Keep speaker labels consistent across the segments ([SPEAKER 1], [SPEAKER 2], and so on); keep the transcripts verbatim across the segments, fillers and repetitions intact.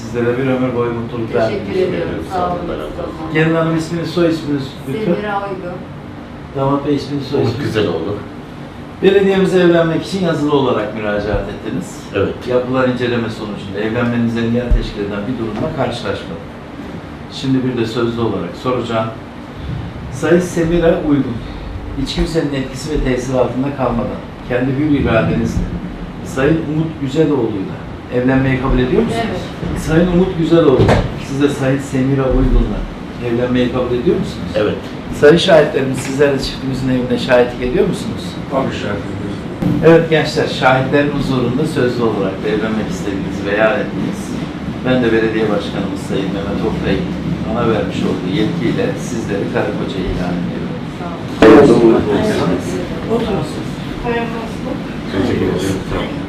[SPEAKER 1] Sizlere bir ömür boyu mutluluklar.
[SPEAKER 2] Teşekkür ediyorum. Sağ olun.
[SPEAKER 1] Gelin Hanım isminiz, soy isminiz lütfen.
[SPEAKER 2] Semira Uygun.
[SPEAKER 1] Damat Bey isminiz, soy
[SPEAKER 3] Umut
[SPEAKER 1] isminiz.
[SPEAKER 3] güzel oldu.
[SPEAKER 1] Belediyemize evlenmek için yazılı olarak müracaat ettiniz.
[SPEAKER 3] Evet.
[SPEAKER 1] Yapılan inceleme sonucunda evlenmenize engel teşkil eden bir durumla karşılaşmadık. Şimdi bir de sözlü olarak soracağım. Sayın Semira Uygun, hiç kimsenin etkisi ve tesiri altında kalmadan kendi hür iradenizle Sayın Umut Güzeloğlu'yla evlenmeyi kabul ediyor musunuz?
[SPEAKER 2] Evet.
[SPEAKER 1] Sayın Umut Güzeloğlu, siz de Sayın Semira Uygun'la evlenmeyi kabul ediyor musunuz?
[SPEAKER 3] Evet.
[SPEAKER 1] Sayın şahitlerimiz, sizler de çiftimizin evine şahitlik ediyor musunuz?
[SPEAKER 4] Tabii şahitlik.
[SPEAKER 1] Evet gençler, şahitlerin huzurunda sözlü olarak da evlenmek istediğinizi beyan ettiniz. Ben de belediye başkanımız Sayın Mehmet Oktay'ın bana vermiş olduğu yetkiyle sizleri karı koca ilan ediyorum.
[SPEAKER 2] Sağ olun.
[SPEAKER 1] Oturun siz.
[SPEAKER 3] Teşekkür ederim.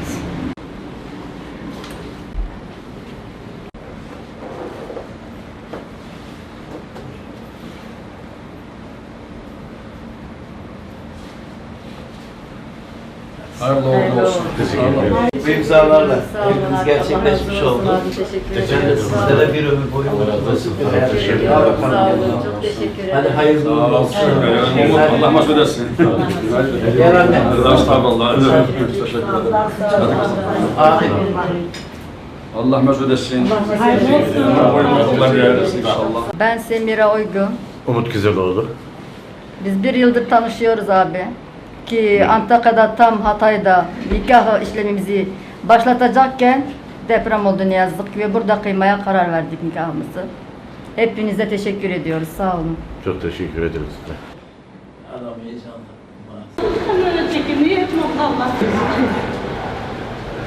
[SPEAKER 4] Hayırlı uğurlu olsun.
[SPEAKER 3] Teşekkür ederim.
[SPEAKER 1] Bu imzalarla
[SPEAKER 2] Sağ olun.
[SPEAKER 1] evliliğiniz
[SPEAKER 2] Allah
[SPEAKER 1] gerçekleşmiş
[SPEAKER 2] razı olsun
[SPEAKER 1] oldu.
[SPEAKER 2] abi, teşekkür
[SPEAKER 3] Teşekkür
[SPEAKER 2] ederim.
[SPEAKER 3] ederim.
[SPEAKER 2] Sağ
[SPEAKER 1] Sizlere
[SPEAKER 2] olun.
[SPEAKER 1] bir ömür boyu
[SPEAKER 3] Allah razı olsun.
[SPEAKER 1] bir hayat
[SPEAKER 3] Teşekkür
[SPEAKER 1] yaşayın.
[SPEAKER 3] ederim.
[SPEAKER 1] Al bakalım
[SPEAKER 2] Sağ
[SPEAKER 1] gelin.
[SPEAKER 2] olun. Çok teşekkür ederim.
[SPEAKER 1] Hadi hayırlı
[SPEAKER 4] Sağ
[SPEAKER 1] uğurlu
[SPEAKER 4] olsun.
[SPEAKER 1] olsun.
[SPEAKER 4] Umut Allah mesut etsin.
[SPEAKER 1] Gel anne.
[SPEAKER 4] Estağfurullah. Teşekkür ederim.
[SPEAKER 1] Amin.
[SPEAKER 4] Allah mesut etsin. Allah yayarlasın inşallah.
[SPEAKER 2] Ben Semira Uygun.
[SPEAKER 3] Umut güzel oldu.
[SPEAKER 2] Biz bir yıldır tanışıyoruz abi. Ki Antakya'da tam Hatay'da nikah işlemimizi başlatacakken deprem oldu ne yazık ki ve burada kıymaya karar verdik nikahımızı. Hepinize teşekkür ediyoruz. Sağ olun.
[SPEAKER 3] Çok teşekkür ederiz.
[SPEAKER 1] Adam heyecanlı.
[SPEAKER 5] Kamera çekimi yapmam Allah.